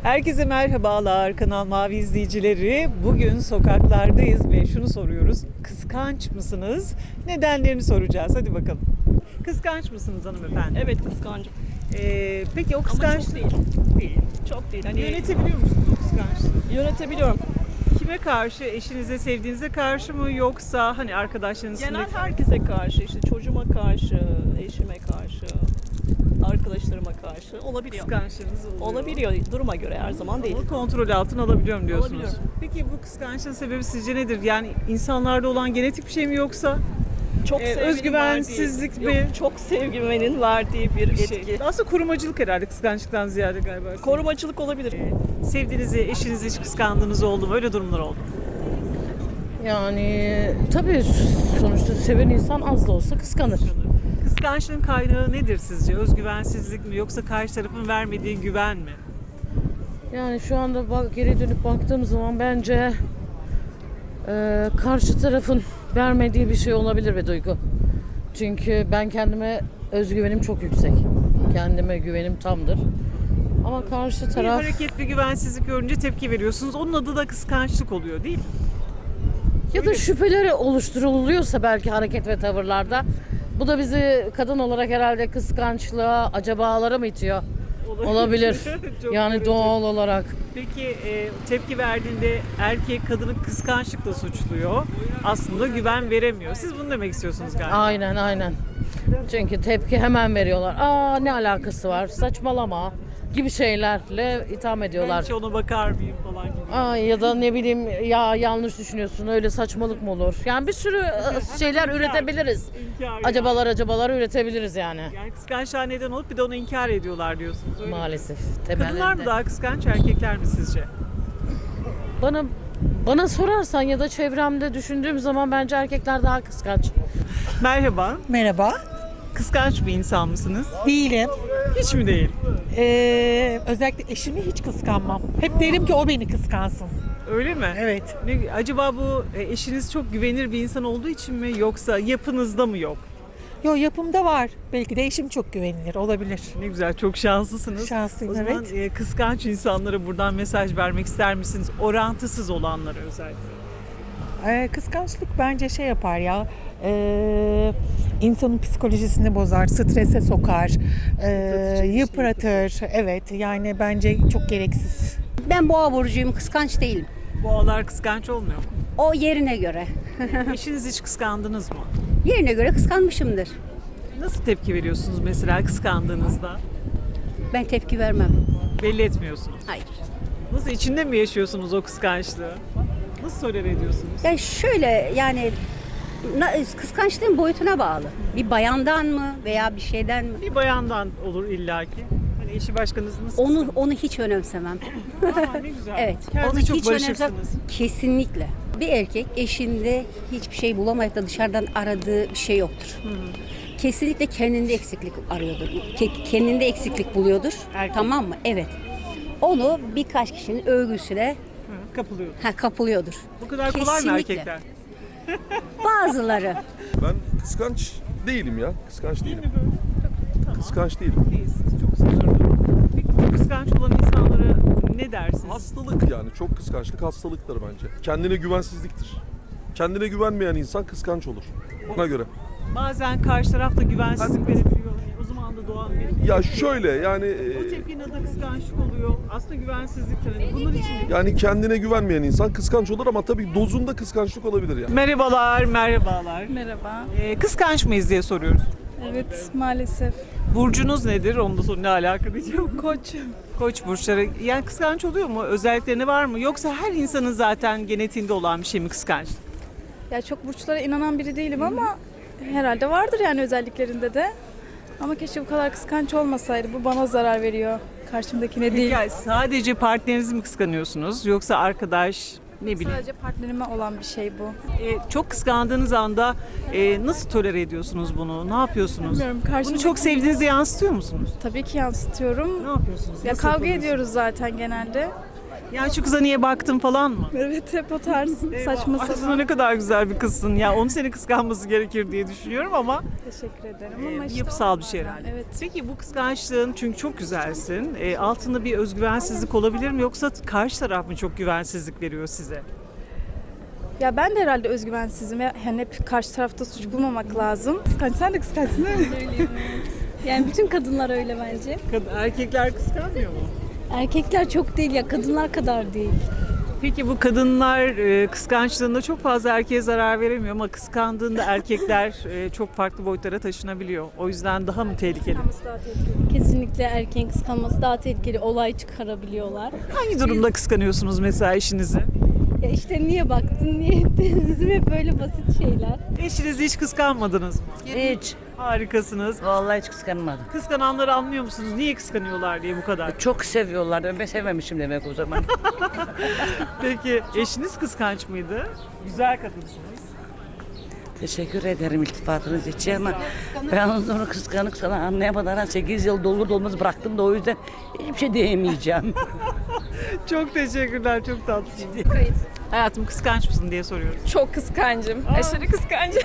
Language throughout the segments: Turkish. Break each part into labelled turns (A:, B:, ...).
A: Herkese merhabalar Kanal Mavi izleyicileri. Bugün sokaklardayız ve şunu soruyoruz. Kıskanç mısınız? Nedenlerini soracağız. Hadi bakalım. Kıskanç mısınız hanımefendi?
B: Evet, kıskancım.
A: Peki o
B: Ama
A: kıskanç
B: çok değil.
A: değil.
B: Çok değil. Hani
A: Yönetebiliyor musunuz o kıskançlığı?
B: yönetebiliyorum.
A: Kime karşı? Eşinize, sevdiğinize karşı mı yoksa hani arkadaşlarınız
B: Genel
A: üstünde-
B: herkese karşı, işte çocuğuma karşı, eşime karşı, arkadaşlarıma karşı olabiliyor.
A: kıskançlığınız oluyor?
B: Olabiliyor. Duruma göre her zaman değil.
A: Onu kontrol altına alabiliyorum diyorsunuz.
B: Alabiliyorum.
A: Peki bu kıskançlığın sebebi sizce nedir? Yani insanlarda olan genetik bir şey mi yoksa
B: Çok sevginin
A: özgüvensizlik
B: verdiği-
A: mi?
B: Yok, çok sevgimenin verdiği bir
A: bir
B: etki.
A: şey? Aslında korumacılık herhalde kıskançlıktan ziyade galiba.
B: Korumacılık olabilir.
A: Sevdiğinizi, eşinizi hiç kıskandığınız oldu mu? Öyle durumlar oldu mu?
C: Yani tabii sonuçta seven insan az da olsa kıskanır.
A: Kıskançlığın kaynağı nedir sizce? Özgüvensizlik mi yoksa karşı tarafın vermediği güven mi?
C: Yani şu anda geri dönüp baktığım zaman bence karşı tarafın vermediği bir şey olabilir ve duygu. Çünkü ben kendime özgüvenim çok yüksek. Kendime güvenim tamdır. Ama karşı
A: Bir
C: taraf
A: hareket, bir güvensizlik görünce tepki veriyorsunuz. Onun adı da kıskançlık oluyor değil mi?
C: ya da şüpheleri oluşturuluyorsa belki hareket ve tavırlarda bu da bizi kadın olarak herhalde kıskançlığa, acabalara mı itiyor? Olabilir.
A: Çok
C: Yani
A: yorucu.
C: doğal olarak.
A: Peki tepki verdiğinde erkek kadını kıskançlıkla suçluyor. Aslında güven veremiyor. Siz bunu demek istiyorsunuz galiba.
C: Aynen. Çünkü tepki hemen veriyorlar. Aa ne alakası var? Saçmalama gibi şeylerle itham
A: Ben
C: ediyorlar.
A: hiç ona bakar mıyım falan gibi.
C: Aa, ya da ne bileyim ya yanlış düşünüyorsun öyle saçmalık mı olur? Yani bir sürü şeyler üretebiliriz.
A: İnkar
C: Acabalar üretebiliriz yani.
A: Yani kıskançlığa neden olup bir de onu inkar ediyorlar diyorsunuz. Öyle mi?
C: Maalesef.
A: Kadınlar mı
C: Temellerinde.
A: daha kıskanç, erkekler mi sizce?
C: Bana sorarsan ya da çevremde düşündüğüm zaman bence erkekler daha kıskanç.
A: Merhaba.
D: Merhaba.
A: Kıskanç bir insan mısınız?
D: Değilim.
A: Hiç mi değil?
D: Özellikle eşimi hiç kıskanmam. Hep derim ki o beni kıskansın.
A: Öyle mi?
D: Evet.
A: Acaba bu eşiniz çok güvenilir bir insan olduğu için mi yoksa yapınızda mı yok?
D: Yo yapımda var. Belki de eşim çok güvenilir. Olabilir.
A: Ne güzel, çok şanslısınız.
D: Şanslıyım,
A: O zaman kıskanç insanlara buradan mesaj vermek ister misiniz? Orantısız olanlara özellikle.
D: Kıskançlık bence şey yapar ya. İnsanın psikolojisini bozar, strese sokar, yıpratır. Evet yani bence çok gereksiz.
E: Ben boğa burcuyum, kıskanç değilim.
A: Boğalar kıskanç olmuyor mu?
E: O yerine göre.
A: Eşiniz hiç kıskandınız mı?
E: Yerine göre kıskanmışımdır.
A: Nasıl tepki veriyorsunuz mesela kıskandığınızda?
E: Ben tepki vermem.
A: Belli etmiyorsunuz.
E: Hayır.
A: Nasıl, içinde mi yaşıyorsunuz o kıskançlığı? Nasıl tolere ediyorsunuz?
E: Yani şöyle yani kıskançlığın boyutuna bağlı. Bir bayandan mı veya bir şeyden mi?
A: Bir bayandan olur illaki. Hani eşi başkanız nasıl?
E: Onu hiç önemsemem.
A: Aa, ne güzel.
E: Evet.
A: Kendinize
E: Onu
A: çok
E: hiç
A: barışırsınız.
E: Kesinlikle. Bir erkek eşinde hiçbir şey bulamayıp da dışarıdan aradığı bir şey yoktur. Kesinlikle kendinde eksiklik arıyordur. Kendinde eksiklik buluyordur.
A: Erkek.
E: Tamam mı? Evet. Onu birkaç kişinin övgüsüne
A: Hı, kapılıyor.
E: kapılıyordur.
A: Bu kadar kolay mı
E: Kesinlikle.
A: erkekler?
E: Bazıları.
F: Ben kıskanç değilim ya. Kıskanç değilim. Kıskanç değilim.
A: Değilsiniz. Çok sözlü. Peki bu kıskanç olan insanlara ne dersiniz?
F: Hastalık yani. Çok kıskançlık hastalıktır bence. Kendine güvensizliktir. Kendine güvenmeyen insan kıskanç olur. Ona göre.
A: Bazen karşı taraf da güvensizlik verebiliyor. O zaman da doğan bir...
F: Ya şöyle yani
A: O tepkinin adı kıskançlık oluyor. Aslında güvensizliktir. Hani bunun için...
F: yani kendine güvenmeyen insan kıskanç olur ama tabii dozunda kıskançlık olabilir yani.
A: Merhabalar.
G: Merhaba.
A: Kıskanç mıyız diye soruyoruz.
G: Evet, maalesef.
A: Burcunuz nedir? Onu da ne alaka diyeceğim.
G: Koç.
A: Koç burçları. Yani kıskanç oluyor mu? Özellikleri var mı? Yoksa her insanın zaten genetiğinde olan bir şey mi kıskançlık?
G: Ya çok burçlara inanan biri değilim ama herhalde vardır yani özelliklerinde de. Ama keşke bu kadar kıskanç olmasaydı. Bu bana zarar veriyor. Karşımdakine değil.
A: Peki sadece partnerinizi mi kıskanıyorsunuz? Yoksa arkadaş, ne bileyim.
G: Sadece partnerime olan bir şey bu.
A: Çok kıskandığınız anda nasıl tolere ediyorsunuz bunu? Ne yapıyorsunuz?
G: Bilmiyorum,
A: Bunu
G: karşımdaki...
A: çok sevdiğinizi yansıtıyor musunuz?
G: Tabii ki yansıtıyorum.
A: Ne yapıyorsunuz?
G: Ya
A: Nasıl
G: kavga
A: yapıyorsunuz?
G: ediyoruz zaten genelde.
A: Yani şu kıza niye baktın falan mı?
G: Evet hep o tarz saçma
A: Aslında
G: sapan.
A: ne kadar güzel bir kızsın. Ya onu seni kıskanması gerekir diye düşünüyorum ama
G: Teşekkür ederim ama işte
A: yapısal bir şey herhalde.
G: Evet.
A: Peki bu kıskançlığın, çünkü çok güzelsin, altında bir özgüvensizlik olabilir mi, yoksa karşı taraf mı çok güvensizlik veriyor size?
G: Ya ben de herhalde özgüvensizim ve hani hep karşı tarafta suç bulmamak lazım. Kıskanç, sen de kıskançsın değil mi?
H: Yani bütün kadınlar öyle bence.
A: Erkekler kıskanmıyor mu?
H: Erkekler çok değil ya, kadınlar kadar değil.
A: Peki bu kadınlar kıskançlığında çok fazla erkeğe zarar veremiyor ama kıskandığında erkekler çok farklı boyutlara taşınabiliyor. O yüzden daha mı tehlikeli?
G: Kıskanması daha tehlikeli.
H: Kesinlikle erkeğin kıskanması daha tehlikeli, olay çıkarabiliyorlar.
A: Hangi durumda kıskanıyorsunuz mesela eşinizi?
H: Ya işte niye baktın, niye ettin? Bizim hep böyle basit şeyler.
A: Eşinizi hiç kıskanmadınız mı?
I: Hiç.
A: Harikasınız.
I: Vallahi hiç kıskanmadım.
A: Kıskananları anlıyor musunuz? Niye kıskanıyorlar diye bu kadar?
I: Çok seviyorlar. Ben sevmemişim demek o zaman.
A: Peki eşiniz kıskanç mıydı? Güzel kadınsınız.
I: Teşekkür ederim iltifatınız için ama ben onu kıskanık sana anlayamadan 8 yıl dolur dolmaz bıraktım da o yüzden hiçbir şey diyemeyeceğim.
A: Çok teşekkürler, çok tatlısınız. Hayatım kıskanç mısın diye soruyoruz.
G: Çok kıskancım. Aşırı kıskancım.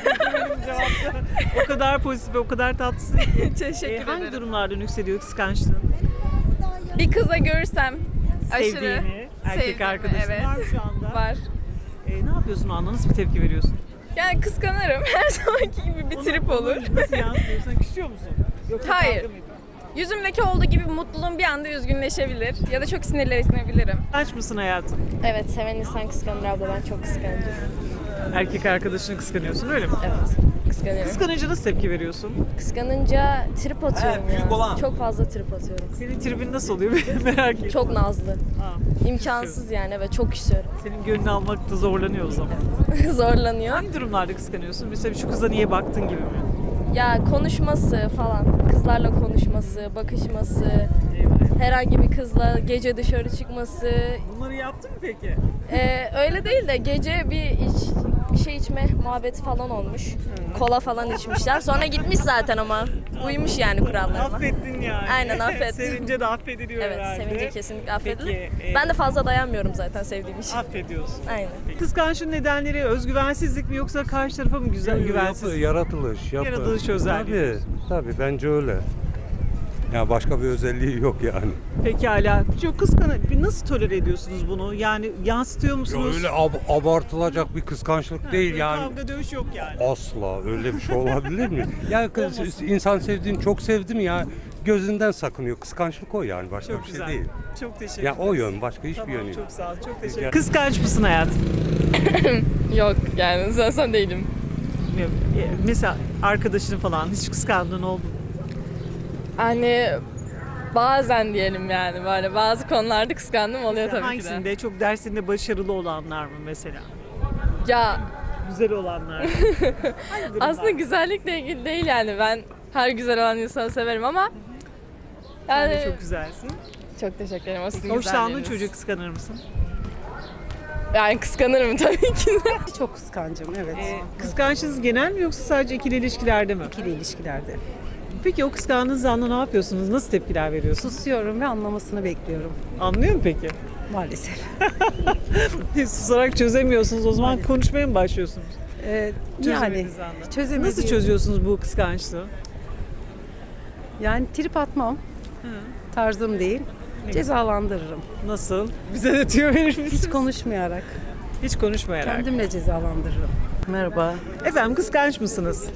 A: O kadar pozitif ve o kadar tatlısın ki.
G: Teşekkür
A: Hangi
G: ederim.
A: durumlarda yükseliyor kıskançlığın?
G: Bir kıza görürsem aşırı
A: Sevdiğini, erkek
G: sevdiğimi,
A: arkadaşın
G: evet.
A: var mı şu anda?
G: var.
A: Ne yapıyorsun o anda? Nasıl bir tepki veriyorsun?
G: Yani kıskanırım. Her zamanki gibi bir trip olur.
A: Nasıl yansıyorsun? Küsüyor musun? Yoksa
G: Hayır.
A: kavga mı ediyorsun?
G: Yüzümdeki olduğu gibi mutluluğum bir anda üzgünleşebilir ya da çok sinirlenebilirim.
A: Kıskanç mısın hayatım?
J: Evet, seven insan kıskanır abla. Ben çok kıskanıyorum.
A: Erkek arkadaşını kıskanıyorsun öyle mi?
J: Evet, kıskanıyorum.
A: Kıskanınca nasıl tepki veriyorsun?
J: Kıskanınca trip atıyorum ya. Çok fazla trip atıyorum.
A: Senin tribin nasıl oluyor merak ettim.
J: Çok nazlı.
A: Ha,
J: İmkansız yani, evet, çok küsüyorum.
A: senin gönlünü almakta zorlanıyor o zaman.
J: Zorlanıyor.
A: Hangi durumlarda kıskanıyorsun? Mesela şu kıza niye baktın gibi mi?
J: Ya konuşması falan, kızlarla konuşması, bakışması, herhangi bir kızla gece dışarı çıkması.
A: Bunları yaptın mı peki?
J: Öyle değil de gece bir şey içme muhabbeti falan olmuş. Kola falan içmişler. Sonra gitmiş zaten ama uymuş yani kurallarıma.
A: Affettin yani.
J: Aynen, affettim.
A: Sevince de affediliyor
J: Evet,
A: herhalde.
J: sevince kesinlikle affedilir.
A: Peki,
J: Ben de fazla dayanmıyorum zaten sevdiğim için.
A: affediyorsun.
J: Aynen.
A: Kıskançlığın nedenleri özgüvensizlik mi, yoksa karşı tarafa mı güvensiz?
K: Yaratılış.
A: Yaratılış özelliği.
K: Tabii bence öyle. Ya başka bir özelliği yok yani.
A: Pekala. Çok nasıl tolere ediyorsunuz bunu? Yani yansıtıyor
K: Ya
A: musunuz?
K: öyle abartılacak bir kıskançlık değil
A: Böyle
K: yani.
A: Kavga dövüş yok yani.
K: Asla öyle bir şey olabilir mi? Ya insan sevdiğini çok sevdi mi ya gözünden sakınıyor. Kıskançlık o yani başka
A: Çok
K: bir
A: güzel.
K: şey değil.
A: Çok teşekkür
K: Ya
A: ederim.
K: o yön başka hiçbir
A: Tamam,
K: yönü yok.
A: çok sağ ol. Çok teşekkür
K: Rica-
A: ederim. Kıskanç mısın hayatım?
B: Yok yani zaten değilim.
A: Bilmiyorum. Mesela arkadaşın falan hiç kıskandığın oldu mu?
B: Hani bazen diyelim yani böyle bazı konularda kıskandım oluyor tabii ki de.
A: Hangisinde? Çok dersinde başarılı olanlar mı mesela?
B: Ya
A: Güzel olanlar mı? Hangi durumlar?
B: aslında güzellikle ilgili değil yani ben her güzel olan insanı severim ama
A: Sen
B: yani
A: de çok güzelsin.
B: çok teşekkür ederim. O sizin
A: Hoşlandığın
B: güzelliğiniz.
A: çocuğu kıskanır mısın?
B: Yani kıskanırım tabii ki de.
D: Çok kıskancım, evet.
A: Kıskançlığınız genel mi, yoksa sadece ikili ilişkilerde mi?
D: İkili ilişkilerde.
A: Peki o kıskandığınız anda ne yapıyorsunuz? Nasıl tepkiler veriyorsunuz?
D: Susuyorum ve anlamasını bekliyorum.
A: Anlıyor mu peki?
D: Maalesef.
A: Susarak çözemiyorsunuz. O zaman konuşmaya mı başlıyorsunuz?
D: Yani
A: Çözemediğiniz anda.
D: çözemediğim...
A: Nasıl çözüyorsunuz bu kıskançlığı?
D: Yani trip atmam. Tarzım değil. Cezalandırırım.
A: Nasıl? Bize de tüyo verir misiniz?
D: Hiç konuşmayarak.
A: Hiç konuşmayarak.
D: Kendimle cezalandırırım.
I: Merhaba.
A: Efendim kıskanç mısınız?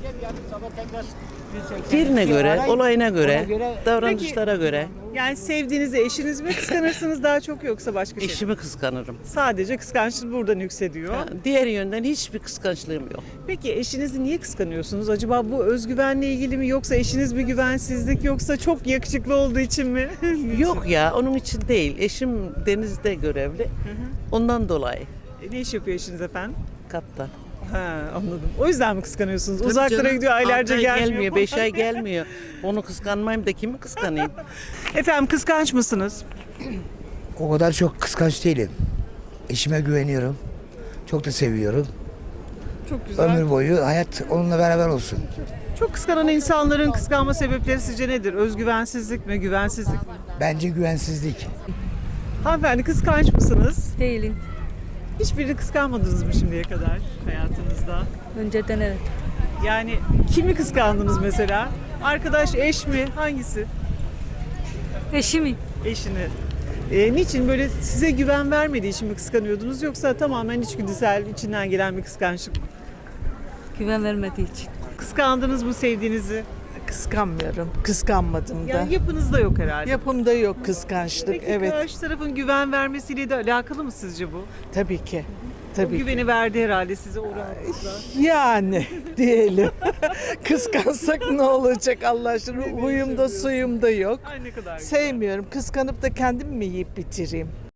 I: Yerine göre, olayına göre, davranışlara göre
A: Yani sevdiğinizi eşiniz mi kıskanırsınız daha çok, yoksa başka şey mi?
I: eşimi kıskanırım.
A: Sadece kıskançlık buradan yükseliyor.
I: Diğer yönden hiçbir kıskançlığım yok.
A: Peki eşinizi niye kıskanıyorsunuz? Acaba bu özgüvenle ilgili mi, yoksa eşiniz bir güvensizlik, yoksa çok yakışıklı olduğu için mi?
I: Yok ya onun için değil. Eşim denizde görevli. Ondan dolayı.
A: Ne iş yapıyor eşiniz efendim?
I: Kaptan.
A: Ha, anladım. O yüzden mi kıskanıyorsunuz?
I: Tabii
A: Uzaklara
I: canım,
A: gidiyor, aylarca
I: 6 ay
A: gelmiyor.
I: 5 ay gelmiyor. Onu kıskanmayayım da kimi kıskanayım?
A: Efendim kıskanç mısınız?
L: O kadar çok kıskanç değilim. Eşime güveniyorum. Çok da seviyorum.
A: Çok güzel.
L: Ömür boyu hayat onunla beraber olsun.
A: Çok kıskanan insanların kıskanma sebepleri sizce nedir? Özgüvensizlik mi, güvensizlik mi?
L: Bence güvensizlik.
A: Hanımefendi kıskanç mısınız?
H: Değilim.
A: Hiçbirini kıskanmadınız mı şimdiye kadar hayatınızda?
H: Önceden evet.
A: Yani kimi kıskandınız mesela? Arkadaş, eş mi? Hangisi?
H: Eşimi.
A: Eşini. Niçin böyle size güven vermediği için mi kıskanıyordunuz yoksa tamamen içgüdüsel, içinden gelen bir kıskançlık mı?
H: Güven vermediği için.
A: Kıskandınız mı sevdiğinizi?
D: Kıskanmıyorum. Kıskanmadım da.
A: Yani yapınızda yok herhalde.
D: Yapımda yok kıskançlık.
A: Peki
D: Evet.
A: karşı tarafın güven vermesiyle de alakalı mı sizce bu?
D: Tabii ki.
A: O
D: Tabii ki.
A: güveni verdi herhalde size o rahatlıkla.
D: Yani diyelim. Kıskansak ne olacak Allah aşkına? Huyumda suyumda yok.
A: Ay ne kadar güzel.
D: Sevmiyorum. Kıskanıp da kendim mi yiyip bitireyim?